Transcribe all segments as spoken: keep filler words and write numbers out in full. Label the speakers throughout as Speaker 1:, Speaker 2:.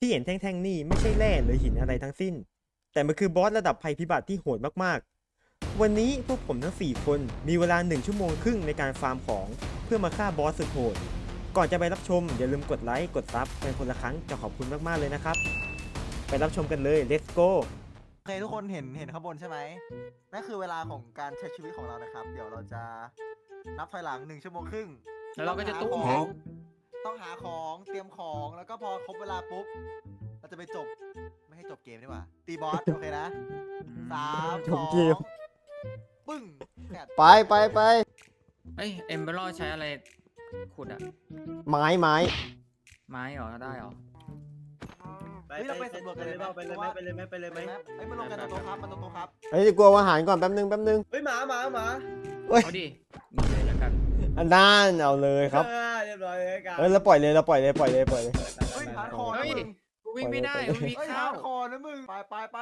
Speaker 1: ที่เห็นแท่งๆนี่ไม่ใช่แร่หรือหินอะไรทั้งสิ้นแต่มันคือบอสระดับภัยพิบัติที่โหดมากๆวันนี้พวกผมทั้งสี่คนมีเวลาหนึ่งชั่วโมงครึ่งในการฟาร์มของเพื่อมาฆ่าบอสสุดโหดก่อนจะไปรับชมอย่าลืมกดไลค์กดซับเป็นคนละครั้งจะขอบคุณมากๆเลยนะครับไปรับชมกันเลย let's go
Speaker 2: โอเคทุกคนเห็นเห็นข้างบนใช่ไหมนั่นคือเวลาของการใช้ชีวิตของเรานะครับเดี๋ยวเราจะนับถอยหลังหนึ่งชั่วโมงครึ่ง
Speaker 3: แล้วเราก็จะตุ้ม
Speaker 2: ของต้องหาของเตรียมของแล้วก็พอครบเวลาปุ๊บเราจะไปจบไม่ให้จบเกมดีกว่าตีบอส โอเคนะสามสองปึ้งแปด
Speaker 4: ไปไปไป
Speaker 3: เอ้ยเอมเบอร์ใช้อะไรขุดอะ
Speaker 4: ไม้ไม้
Speaker 3: ไม้เหรอได้เหรอ
Speaker 2: เฮ้ยเราไปสำรวจกันเลยไหม
Speaker 5: ไปเลยไหมไปเลยไหมไปเลยไหม
Speaker 2: เฮ้ยมาลงกันตรงโต๊ะครับมาตรงโต๊ะครับ
Speaker 4: เฮ้ยกลัวอาหารก่อนแป๊บนึงแป๊บนึง
Speaker 5: เฮ้ยหมาหมาหมา
Speaker 3: เอาดินี่เลยแล้วกัน
Speaker 4: อันด้านเอาเลยครับ
Speaker 5: เออเรียบร้อยเลยกัน
Speaker 4: เฮ้ยเราปล่อยเลยเราปล่อยเลยปล่อยเลยปล่อยเลย
Speaker 2: เฮ้ยฮาร์ดคอร์
Speaker 3: เฮ้ย
Speaker 2: นะมึง
Speaker 3: กูวิ่งไม่ได้กูวิ่ง
Speaker 2: เฮ้ย
Speaker 3: ข้า
Speaker 2: ฮาว ร์ดคอร์นะมึงไปไปไป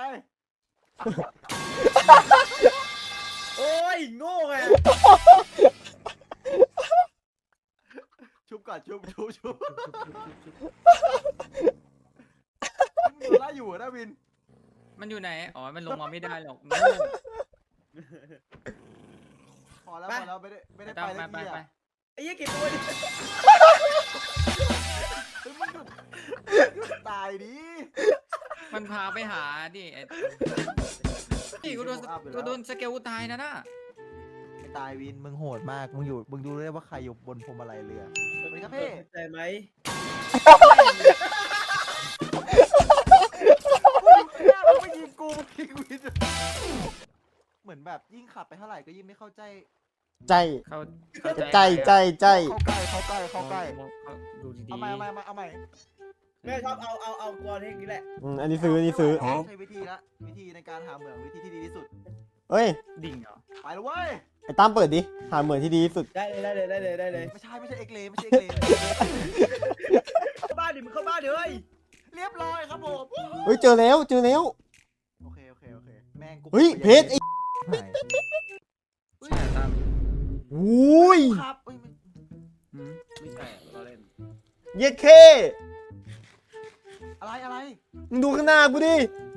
Speaker 5: โอ้ยโง่ไง
Speaker 2: ชุบก่อนชุบชุบชุบมึงไล่อยู่นะวิน
Speaker 3: มันอยู่ไหนอ๋อมันลงมาไม่ได้หรอก
Speaker 2: พอแล้วพอแล้วไม่ได้ไม่ได้
Speaker 3: ไป
Speaker 2: ไป
Speaker 3: ไป
Speaker 2: แล้ว
Speaker 3: ไป
Speaker 2: พี่
Speaker 3: ไป
Speaker 2: อะ
Speaker 5: ไอ้ยี่กี่ตัวดิ
Speaker 2: เฮ้ยมึงหยุดหยุดตายดิ
Speaker 3: มันพาไปหาดิไอ้นี่กูโดนกูโดนสเกลตายนะน่ะ
Speaker 2: ไม่ตายวินมึงโหดมากมึงอยู่มึงดูได้ว่าใครอยู่บนพวงมาลัยเรือสวัสดีครับพี่
Speaker 5: ใจไหม
Speaker 2: มึงไม่ยิงกูมึงยิงวินเหมือนแบบยิ่งขับไปเท่าไหร่ก็ยิ่งไม่เข้าใจ
Speaker 4: ใจ
Speaker 3: เขา
Speaker 4: ใจใจใจ
Speaker 2: เข้าใกล้เข้าใกล้เข้าใกล้
Speaker 3: ดูดี
Speaker 2: เอาใหม่เอาใหม่เอาใหม่เอาใหม่
Speaker 5: แม่ชอบเอาเอาเอากรอนนี้แหละ
Speaker 4: อืมอันนี้ซื้ออันนี้ซื้อ
Speaker 2: ใช้วิธีละวิธีในการหาเหมืองวิธีที่ดีที่สุด
Speaker 4: เฮ้ย
Speaker 3: ดิ่งเหรอ
Speaker 2: ไปเลยเว้ย
Speaker 4: ไอ้ตั้มเปิดดิหาเหมือนที่ดีที่สุด
Speaker 5: ได้เลยได้เลยได้เลยได้เลย
Speaker 2: ไม่ใช่ไม่ใช่เอ็กเลไม่ใช่เอ็กเล
Speaker 5: เข้าบ้านดิมึงเข้าบ้านดิเฮ้ย
Speaker 2: เรียบร้อยครับผม
Speaker 4: เฮ้ยเจอแล้วเจอแล้ว
Speaker 2: โอเคโอเคโอเคแม่งกู
Speaker 4: เฮ้ยเพชรไอ้
Speaker 2: หาย
Speaker 3: ใช่ตาม
Speaker 4: อุ้ย
Speaker 2: ครับเอ้ยไม่
Speaker 3: ไม่ใช่เราเล่น
Speaker 4: เย็ดเค
Speaker 2: อะไรอะไร
Speaker 4: มึงดูข้างหน้ากูดิ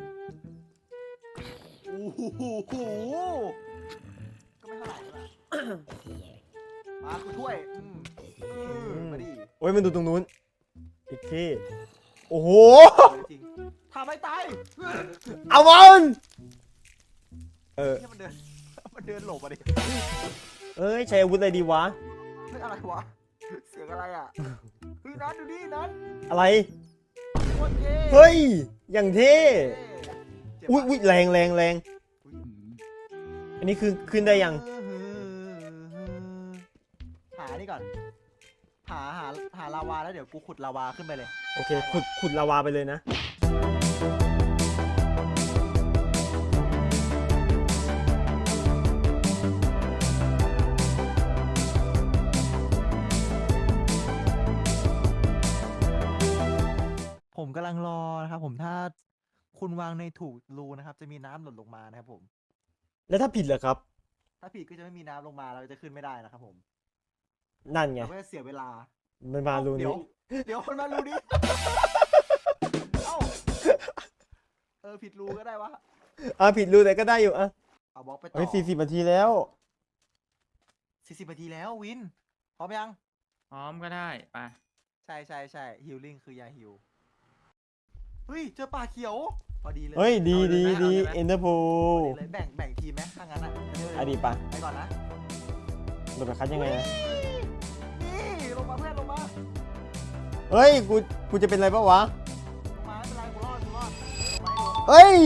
Speaker 2: โอ้โหก็ไม่เท่าไหร่ละมากูช่วยอืมอืมมาดิ
Speaker 4: โอ้ยมันดูตรงนู้นเย็ดเคโอ้โห
Speaker 2: จริงทำให้ตาย
Speaker 4: เอามันเออ
Speaker 2: ที่มันเดินมันเดินหลบมาดิ
Speaker 4: เอ้ยใช้อาวุธอะไรดีวะ
Speaker 2: เฮ้ยอะไรวะเสียงอะไรอ่ะเฮ้ยนัทดูดินัท
Speaker 4: อะไร
Speaker 2: โคตรเท่
Speaker 4: เฮ้ยอย่างเท่
Speaker 2: เจ็บ
Speaker 4: อุ้ย
Speaker 2: ปะ
Speaker 4: อุ้ยแรงแรงแรงอันนี้คือขึ้นได้ยัง
Speaker 2: หานี่ก่อน หาหาหาลาวาแล้วเดี๋ยวกูขุดลาวาขึ้นไปเลย
Speaker 4: โอเคขุดขุดลาวาไปเลยนะ
Speaker 2: ผมกำลังรอนะครับผมถ้าคุณวางในถูกรูนะครับ จะมีน้ำหล่นลงมานะครับผม
Speaker 4: แล้วถ้าผิดเหรอครับ
Speaker 2: ถ้าผิดก็จะไม่มีน้ำลงมาเราจะขึ้นไม่ได้นะครับผม
Speaker 4: นั่นไง
Speaker 2: เราก็จะเสียเวลา
Speaker 4: มันมารู
Speaker 2: เดี๋ย
Speaker 4: นี้
Speaker 2: วเดี๋ยวคนมารูนี้เอ้าเออผิดรูก็ได้วะ
Speaker 4: อ่ะผิดรูแต่ก็ได้อยู่อ่ะ
Speaker 2: เอาบล็อกไปต่อ
Speaker 4: เฮ้ยสี่สิบนาทีแล้ว
Speaker 2: สี่สิบนาทีแล้ววินพร้อมยัง
Speaker 3: พร้อมก็ได้ไป
Speaker 2: ใช่ใช่ใช่ฮิลลิ่งคือยาฮิลเฮ้ยเจอป่าเขียวพอดีเลย
Speaker 4: เฮ้ยดีดีดีเอ็นเตอร์โพ
Speaker 2: พอดีเลยแบ่งแบ่งทีมไหมถ้างั้นอ่ะ
Speaker 4: อ่ะดีปะ
Speaker 2: ไปก่อนนะ
Speaker 4: โดนไปคัดยังไงนะ
Speaker 2: นี่ลงมาเพื่อนลงมา
Speaker 4: เฮ้ยกูกูจะเป็นอะไรปะวะ
Speaker 2: ลงมาไม่เป็นไรกูรอดกูรอดลงมาให้ลง
Speaker 4: เฮ้ย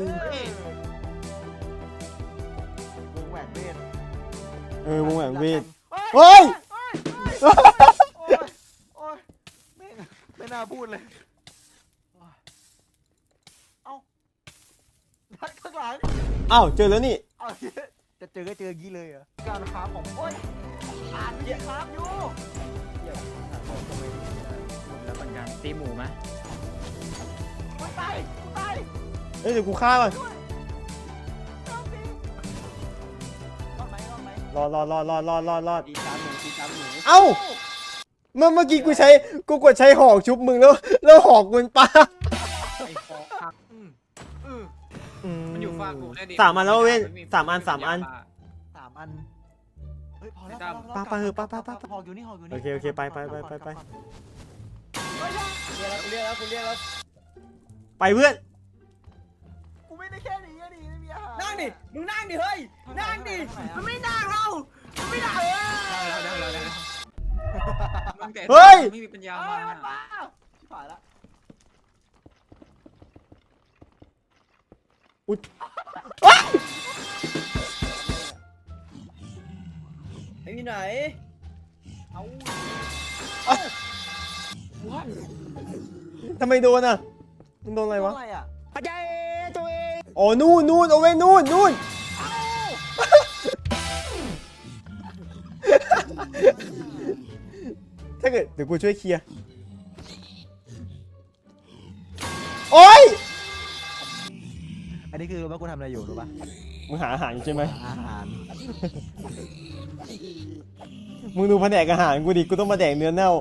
Speaker 2: วงแหวนเวท
Speaker 4: เออวงแหวนเวท
Speaker 2: เฮ้ย
Speaker 4: เฮ้ย
Speaker 2: โอ้ยโอ้ยแม่งไม่น่าพูดเลยเอ้านัดข้างหลัง
Speaker 4: อ้าวเจอแล้วนี่
Speaker 2: เอาจะเจอก็เจออย่างนี้เลยเหรอการค้าของโอ้ยอ่านวิธีค้าอยู่
Speaker 3: หมดแล้วเหมือนกันตีหมูไหม
Speaker 2: กูตายกูตาย
Speaker 4: เฮ้ยเดี๋ยวกูฆ่าก่อน
Speaker 2: ด้วยรอดสิรอดไหมรอดไหม
Speaker 4: รอดรอดรอดรอดรอดรอดรอด
Speaker 5: ตีสามหมูตีสามหมู
Speaker 4: เอ้าเมื่อเมื่อกี้กูใช้กูกดใช้หอกชุบมึงแล้วแล้วหอกมันปา
Speaker 3: ไอ้ฟอกครับ
Speaker 2: อืมอืม
Speaker 3: มันอยู่ฝั่งกูได้ดิ
Speaker 4: สามอันแล้วเว้นสามอันสามอัน
Speaker 2: สามอันเฮ้ยพอแล้ว
Speaker 4: ปะปะเถอะปะปะปะ
Speaker 2: หอกอยู่นี่หอกอยู่นี่
Speaker 4: โอเคโอเคไปไปไปไปไป
Speaker 5: เรียกแล้วกูเรียกแล้วกูเรียกแล้ว
Speaker 4: ไปเพื่อน
Speaker 2: กูไม่ได้แค่นี้อะดิไม่มีอาหาร
Speaker 5: นั่งดิมึงนั่งดิเฮ้ยนั่งดิมันไม่นั่งเรามันไม่นั่งเออ
Speaker 3: ได้แล้วได้แล้วได้แล้วมึงแต่
Speaker 4: เฮ้ย
Speaker 3: ไม่มีปัญญา
Speaker 2: เอา
Speaker 3: มา
Speaker 2: มันมาชิบหายละ
Speaker 5: ไอ้ที่ไหน
Speaker 2: เอา
Speaker 4: ทำไมโดนอ่ะมึงโดนอะไรวะ
Speaker 2: อะไรอ่ะ
Speaker 4: อ๋อนู่นนู่นเอาไว้นู่นนู่นถ้าเกิดเดี๋ยวกูช่วยเคลียร์โอ๊ย
Speaker 2: อันนี้คือรู้ว่ากูทำอะไรอยู่รู้ป่ะ
Speaker 4: มึงหาอาหารอยู่ใช่ไหม
Speaker 2: อาหาร
Speaker 4: มึงดูแผนกอาหารกูดิกูต้องมาแดกเนื้อเน่า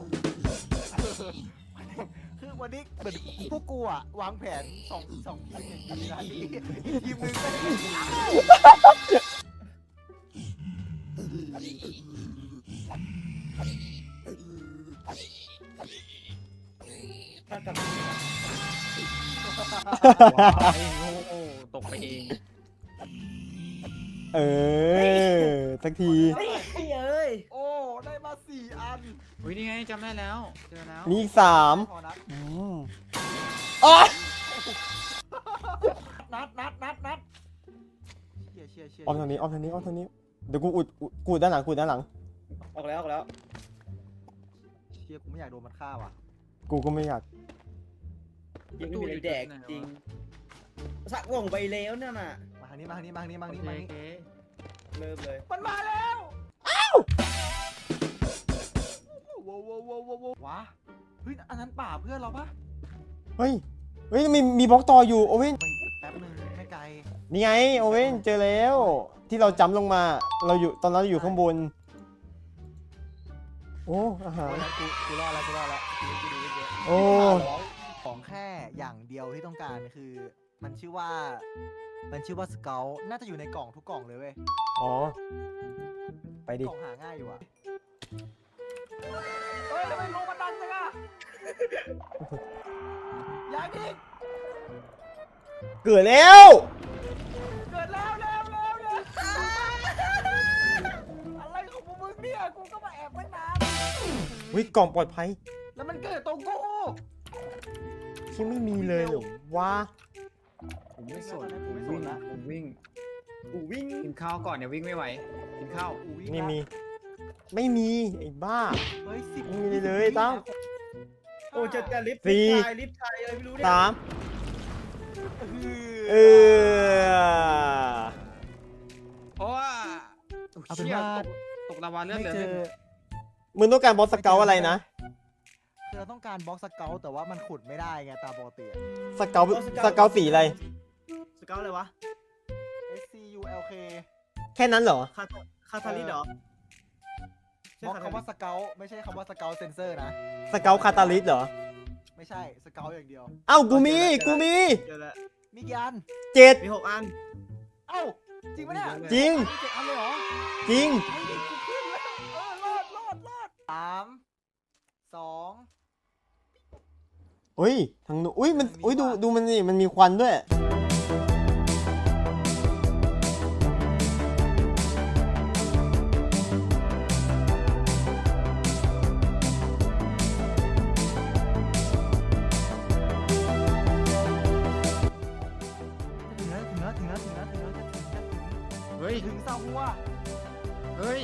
Speaker 2: คือวันนี้เหมือนพวกกูอ่ะวางแผนสองสองทีมอย่างนี้นะทีทีมหนึงก็ได้
Speaker 5: ถ้ากลับ
Speaker 3: ไอ้โง่ตกไปเอง
Speaker 4: เออสักที
Speaker 5: เฮ้ยเอ้ย
Speaker 2: โอ้ได้มาสี่อัน
Speaker 3: อุ้ยนี่ไงจำได้แล้วเจอแล้ว
Speaker 4: มีอีกสาม
Speaker 2: พอนัด
Speaker 4: อืมอ๋อ
Speaker 2: นัดนัดนัดนัดเชียร์เชียร์เชียร์
Speaker 4: ออมทางนี้ออมทางนี้ออมทางนี้เดี๋ยวกูอุดอุดกูอุดด้านหลังกูอุดด้านหลัง
Speaker 5: ออกแล้วออกแล้ว
Speaker 2: เชียร์กูไม่อยากโดนมันฆ่าว่ะ
Speaker 4: กูก็ไม่อยาก
Speaker 5: ยังไม่มีอะไรแดกจริงสักว่องไปแล้วนั่นน่ะ
Speaker 2: มาทางนี้มาทางนี้มาทางนี้มา
Speaker 3: โอ
Speaker 2: ทาง
Speaker 3: เค
Speaker 2: นี้มาทางนี้
Speaker 3: โอเค
Speaker 5: เริ่มเลย
Speaker 2: มันมาแล้วว้าวว้าวว้าวว้าวว้าวเฮ้ยอันนั้นป่าเพื่อนเราปะ
Speaker 4: เฮ้ยเฮ้ยมีมีบล็อกต่ออยู่โอเว่น
Speaker 2: ไปแป๊บนึงไม่ไกล
Speaker 4: นี่ไงโอเว่นเจอแล้ว ที่เราจำลงมาเราอยู่ตอนนั้นเราอยู่ข้างบนโอ้อาหาร
Speaker 2: กูกูรอดแล้วกูรอดแล้วกูกูดูเยอะ
Speaker 4: โอ้
Speaker 2: ของแค่อย่างเดียวที่ต้องการคือมันชื่อว่า มันชื่อว่าสเกลน่าจะอยู่ในกล่องทุกกล่องเลยเว้ย
Speaker 4: อ๋อไปดิ
Speaker 2: กล่องหาง่ายอยู่อะเฮ้ยทำไมลงมันดังจังอะอย่าดิ
Speaker 4: เกิดแล้ว
Speaker 2: เกิดแล้วแล้วแล้วแล้วอะไรของพวกมึงเนี่ยกูก็มาแอบไว้นาน
Speaker 4: วิกล่องปลอดภัย
Speaker 2: แล้วมันเกิดตรงกู
Speaker 4: ที่ไม่มีเลยเหรอวะ
Speaker 3: ผมไม่สนผมวิ่งผมวิ่ง
Speaker 5: กูวิ่ง
Speaker 3: กินข้าวก่อนเดี๋ยววิ่งไม่ไหวกินข้าว
Speaker 2: อุ้ย
Speaker 4: ไม่มี ไม่มีไอ้บ้า
Speaker 2: เฮ้ยสิบ
Speaker 4: ไม่มีเลยตั้ง
Speaker 5: โอ้จะจะลิฟต์
Speaker 4: สี่
Speaker 5: ชายลิฟต์ชายอะไรไม่รู้เนี่ย
Speaker 4: สามเออ
Speaker 3: เพราะว่า
Speaker 2: เอาเป็น
Speaker 3: เชี่ย
Speaker 2: ว่า
Speaker 3: ตกตกลาวาเลือด
Speaker 2: ไม่
Speaker 3: เหลือ
Speaker 2: เจ
Speaker 3: เลือ
Speaker 2: อ
Speaker 3: ด
Speaker 4: มึงต้องการบอสสเกลอะไรนะ
Speaker 2: คือเราต้องการบล็อกสเกลแต่ว่ามันขุดไม่ได้ไงตามปกติอะ
Speaker 4: สเกลสเกลสีอะไร
Speaker 5: สเกลอะไรวะ
Speaker 2: S C U L K
Speaker 4: แค่นั้นเหรอ
Speaker 5: คาคาทาลิสเหรอบ
Speaker 2: ล็อกคำว่าสเกลไม่ใช่คำว่าสเกลเซนเซอร์นะ
Speaker 4: สเกลคาตาลิสเหรอ
Speaker 2: ไม่ใช่สเกลอย่างเดียว
Speaker 4: เอ้ากูมีกูมี
Speaker 5: เดี๋ยวละ
Speaker 2: มีกี่อัน
Speaker 4: เจ็ด
Speaker 5: มีหกอัน
Speaker 2: เอ้าจริงปะเนี่ย
Speaker 4: จริง
Speaker 2: มีเจ็ดอันเลยเหรอ
Speaker 4: จริง
Speaker 2: เฮ้ยกูขึ้นแล้วเออรอดรอดรอดสามสอง
Speaker 4: เฮ้ยทางนู้นอุ้ยมัน
Speaker 2: ทางนี้
Speaker 4: อุ้ยดู
Speaker 2: ว่ะ
Speaker 4: ดูมันนี่มันมีควันด้วย
Speaker 2: ถึงแล้วถึงแล้วถึงแล้วถึงแล้วถึงแล้วถึงแล้ว
Speaker 3: เฮ้ย
Speaker 2: ถึงซาหัว
Speaker 3: เฮ้ย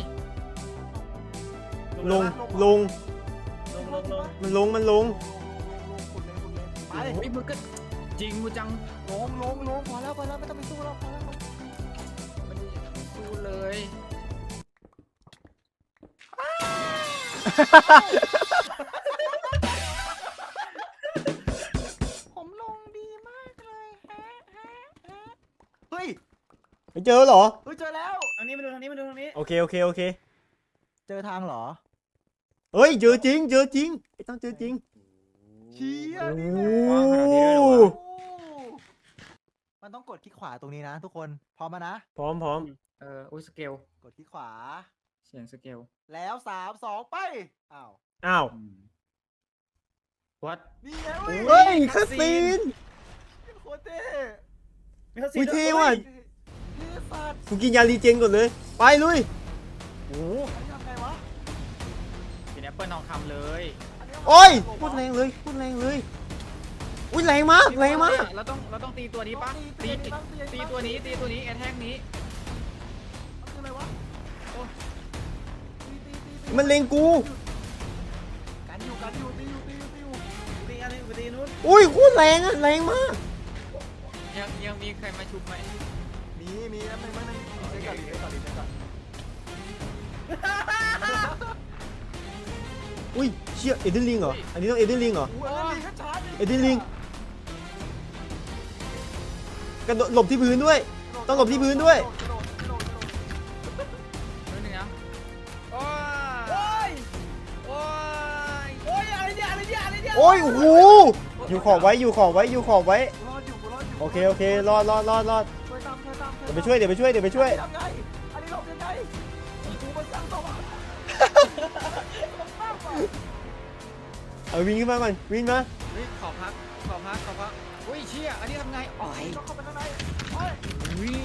Speaker 4: ลงลง
Speaker 5: ลงลงลง
Speaker 4: มันลงมันลง
Speaker 2: ขุดเลยขุดเลยไป
Speaker 3: เฮ้ยมึงก็จริงกูจัง
Speaker 2: ลงลงลงพอแล้วพอแล้วไม่ต้องไปสู้แล้วพอแล้ว
Speaker 3: มันสู้เลย
Speaker 2: ผมลงดีมากเลยฮะฮะฮะเฮ้ย
Speaker 4: ไปเจอเหรอ
Speaker 2: เฮ้ยเจอแล้ว
Speaker 5: ทางนี้มาดูทางนี้มาดูทางนี้
Speaker 4: โอเคโอเคโอเค
Speaker 2: เจอทางเหรอ
Speaker 4: เฮ้ยเจอจริงเจอจริงไอ้ต้องเจอจริง
Speaker 2: เชี่ย
Speaker 4: โอ้
Speaker 2: นี่
Speaker 4: โห
Speaker 2: แหละโอ้มันต้องกดคลิกขวาตรงนี้นะทุกคนพร้อมมานะ
Speaker 4: พร้อมพร้อม
Speaker 3: เอออุ้ยสเกล
Speaker 2: กดคลิกขวา
Speaker 3: เสียงสเกล
Speaker 2: แล้วสามสองไปอ้าว
Speaker 4: อ้าว
Speaker 3: วัด
Speaker 2: นี่ไง
Speaker 4: เฮ้ยคาซีน
Speaker 2: โคตรเท่
Speaker 5: ไม่เข้าสิ
Speaker 4: อุ๊ยเท่ว่ะ
Speaker 2: เท่สัตว์
Speaker 4: กูกินยารีเจนก่อนเลย ไปลุย
Speaker 3: โอ้
Speaker 2: อันนี้ทำไงวะ
Speaker 3: เป็นแอปเปิลทองคำเลย
Speaker 2: นนี้ทำไง
Speaker 4: โอ้ย
Speaker 2: ผม
Speaker 4: พูด
Speaker 2: วะ
Speaker 4: แรงเลยพูดแรงเลยอุ้ยแรงมากแรงมาก
Speaker 3: เราต้องเราต้องตีตัวนี้ปะตีตีตัวนี้ตีตัวนี้แอทแทกนี้
Speaker 2: มันคืออะไรวะโอ้ตีตีตีตี
Speaker 4: มันเลงกู
Speaker 2: กันอยู่กันอยู่ตีอยู่ตีอยู่ตีอยู่
Speaker 5: ตีอันนี้ไปตีนู้น
Speaker 4: อุ้ยโคตรแรงอะแรงมาก
Speaker 3: ยังยังมีใครมาชุบไหม
Speaker 2: มีมีแล้วมันมันมันเช็คก่อนดิเช็คก่อนดิเช็คก่อน
Speaker 4: อุ้ยเชี่ยเอเดนลิงเหรออันนี้ต้องเอเดนลิงเหรอ
Speaker 2: อู้อันนั้นลิงก็ชาร์จ
Speaker 4: เอ็ดดี้ลิง กระโดดหลบที่พื้นด้วย ต้องหลบที่พื้นด้วย
Speaker 2: กระโดดกระโดดกระโดด
Speaker 3: นิดนึงนะโอ้
Speaker 5: โอ้ย
Speaker 3: โอ้ย
Speaker 5: โอ้ยอะไรเนี่ยอะไรเนี่ยอะไรเนี่ย
Speaker 4: โอ้ยโอ้โหอยู่ขอบไว้อยู่ขอบไว้อยู่ขอบไว้
Speaker 2: กูรอดอยู่กูรอดอยู่
Speaker 4: โอเคโอเครอดรอดรอดรอด
Speaker 2: ช่วยตามช่วยตาม
Speaker 4: เดี๋ยวไปช่วยเดี๋ยวไปช่วยเดี๋ยวไปช่วย
Speaker 2: ทำไงอันนี้หลบยังไงกูมันสร้างตัวอ่ะ
Speaker 4: เอาวิ่งขึ้นมาก่อนวิ่งมา
Speaker 3: เฮ้ยขอพักขอพักขอพักอุ้ยเชี่ยอันนี้ทำไงอ๋อย
Speaker 2: ต้องเข้าไปข้างในโอ้ย
Speaker 3: อุ้ย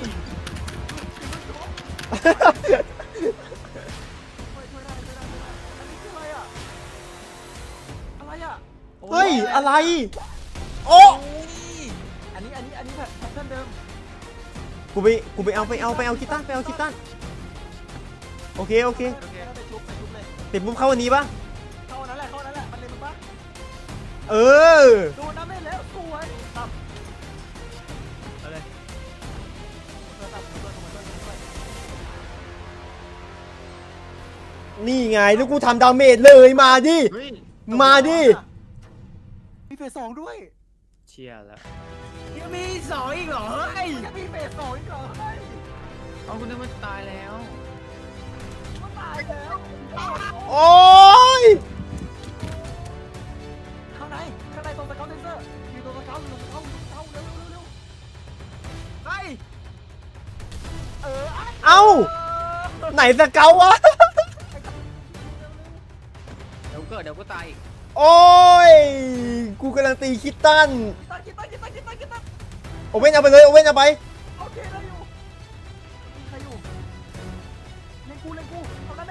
Speaker 2: ช่วยช่วยได้ช่วยได้ช่วยได้อันนี้คืออะไรอ่ะอะไรอ่ะ
Speaker 4: เฮ้ยอะไรโอ้
Speaker 2: อันนี้อันนี้อันนี้แพทแพทเทิร์นเดิม
Speaker 4: กูไปกูไปเอาไปเอาไปเอาคิตตันไปเอาคิตตันโอเคโอเค
Speaker 2: โอเคไปชุบไปชุบเลย
Speaker 4: เสร็จปุ๊บเข้าวันนี้ปะ
Speaker 2: เข้าอันนั้นแหละเข้าอันนั้นแหละมันเลยมันปะ
Speaker 4: เออ
Speaker 2: โดนน้ำเล่นแล้วสวยตับเอาเลยตัวตับตัวตัวตัวตัว
Speaker 4: นี่ไงแล้วกูทำดาเมจเลยมาดิ
Speaker 3: เฮ้ย
Speaker 4: มาดิ
Speaker 2: มีเฟสสองด้วย
Speaker 3: เชี่ยแล้ว
Speaker 5: ยังมีสองอีกเหรอเฮ้ย
Speaker 2: ยังมีเฟสสองอีกเหรอเฮ้ย
Speaker 3: เอาคุณนึกว่าตายแล้ว
Speaker 2: มันตายแล้ว
Speaker 4: โอ้ย
Speaker 2: ข้างในข้างในตรงสเกลเซนเซอร์อยู่ตรงสเกลอยู่ตรงสเกลอยู่ตรงสเกลเร็วเร็วเร็วไปเออ
Speaker 4: เอ้าไหนสเกาวะ
Speaker 3: เดี๋ยวเกิดเดี๋ยวก็ตายอีก
Speaker 4: โอ้ย กูกำลังตีคิตตัน
Speaker 2: ตันกินตันกินตันกินตันกินตัน
Speaker 4: โอเว่นเอาไปเลย โอเว่นเอาไป
Speaker 2: โอเคได้อยู่มีใครอยู่เล่นกูเล่นกูทำนั่นเอง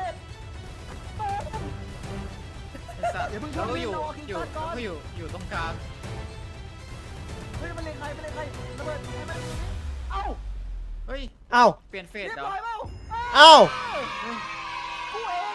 Speaker 3: ไอ้สัตว์แล้วก็อยู่อยู่แล้วก็อยู่อยู่ตรงกลาง
Speaker 2: เฮ้ยมันเล่นใครมันเล่นใครระเบิดให้มันเอ้า
Speaker 3: เฮ้ย
Speaker 4: เอ้า
Speaker 3: เปลี่ยนเฟส
Speaker 2: เรียบ
Speaker 3: เหรอ
Speaker 2: ร้อยเปล่า
Speaker 4: เอ้า
Speaker 2: กูเอง